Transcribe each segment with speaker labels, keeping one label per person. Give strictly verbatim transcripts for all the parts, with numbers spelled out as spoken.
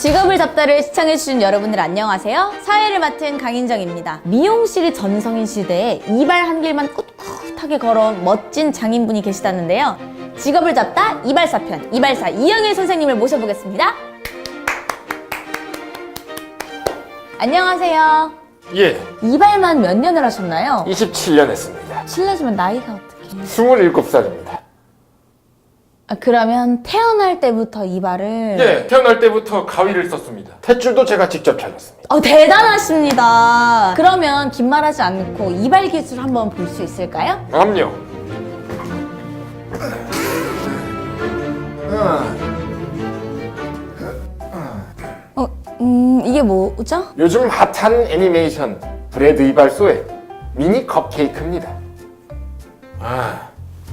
Speaker 1: 직업을 잡다를 시청해주신 여러분들 안녕하세요. 사회를 맡은 강인정입니다. 미용실이 전성인 시대에 이발 한 길만 꿋꿋하게 걸어온 멋진 장인분이 계시다는데요. 직업을 잡다 이발사편 이발사 이영일 선생님을 모셔보겠습니다. 안녕하세요.
Speaker 2: 예,
Speaker 1: 이발만 몇 년을 하셨나요?
Speaker 2: 이십칠 년 했습니다.
Speaker 1: 실례지만 나이가 어떻게?
Speaker 2: 스물일곱 살입니다.
Speaker 1: 아, 그러면 태어날 때부터 이발을...
Speaker 2: 예, 태어날 때부터 가위를 썼습니다. 탯줄도 제가 직접 잘랐습니다.
Speaker 1: 어, 대단하십니다. 그러면 긴 말하지 않고 이발 기술 한번 볼 수 있을까요?
Speaker 2: 그럼요.
Speaker 1: 어, 음, 이게 뭐죠?
Speaker 2: 요즘 핫한 애니메이션 브래드 이발소의 미니 컵케이크입니다. 아,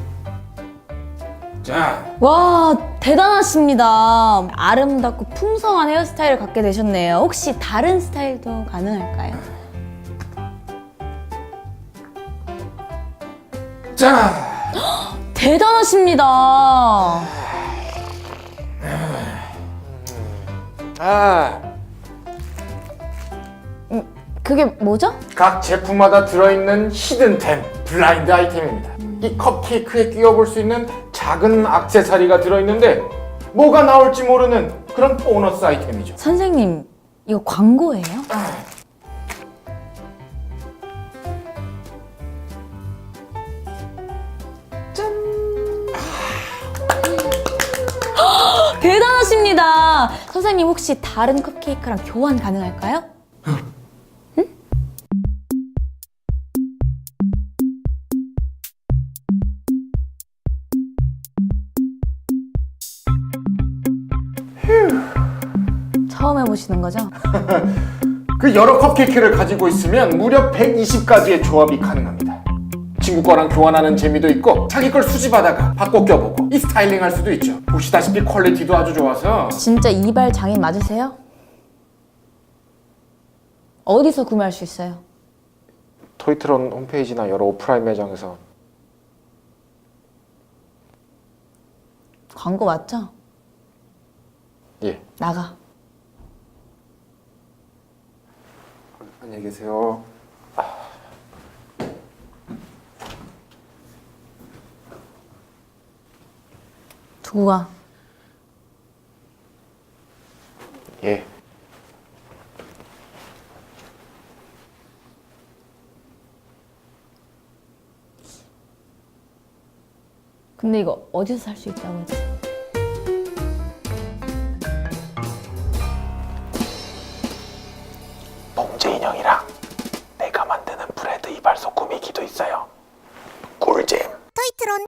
Speaker 2: 자,
Speaker 1: 와, 대단하십니다. 아름답고 풍성한 헤어스타일을 갖게 되셨네요. 혹시 다른 스타일도 가능할까요?
Speaker 2: 자,
Speaker 1: 대단하십니다.
Speaker 2: 아,
Speaker 1: 음, 그게 뭐죠?
Speaker 2: 각 제품마다 들어있는 히든템, 블라인드 아이템입니다. 이 컵케이크에 끼워볼 수 있는 작은 액세서리가 들어있는데 뭐가 나올지 모르는 그런 보너스 아이템이죠.
Speaker 1: 선생님, 이거 광고예요? 대단하십니다. 선생님 혹시 다른 컵케이크랑 교환 가능할까요? 응? 처음 해보시는 거죠?
Speaker 2: 그 여러 컵케이크를 가지고 있으면 무려 백이십 가지의 조합이 가능합니다. 친구 거랑 교환하는 재미도 있고 자기 걸 수집하다가 바꿔 껴보고 이 스타일링 할 수도 있죠. 보시다시피 퀄리티도 아주 좋아서.
Speaker 1: 진짜 이발 장인 맞으세요? 어디서 구매할 수 있어요?
Speaker 2: 토이트론 홈페이지나 여러 오프라인 매장에서.
Speaker 1: 광고 맞죠?
Speaker 2: 예.
Speaker 1: 나가.
Speaker 2: 안녕히 계세요.
Speaker 1: 두고 가.
Speaker 2: 예.
Speaker 1: 근데 이거 어디서 살 수 있다고 했지?
Speaker 2: 봉제 인형이랑 내가 만드는 브래드 이발소 꾸미기도 있어요. 꿀잼.
Speaker 3: 토이트론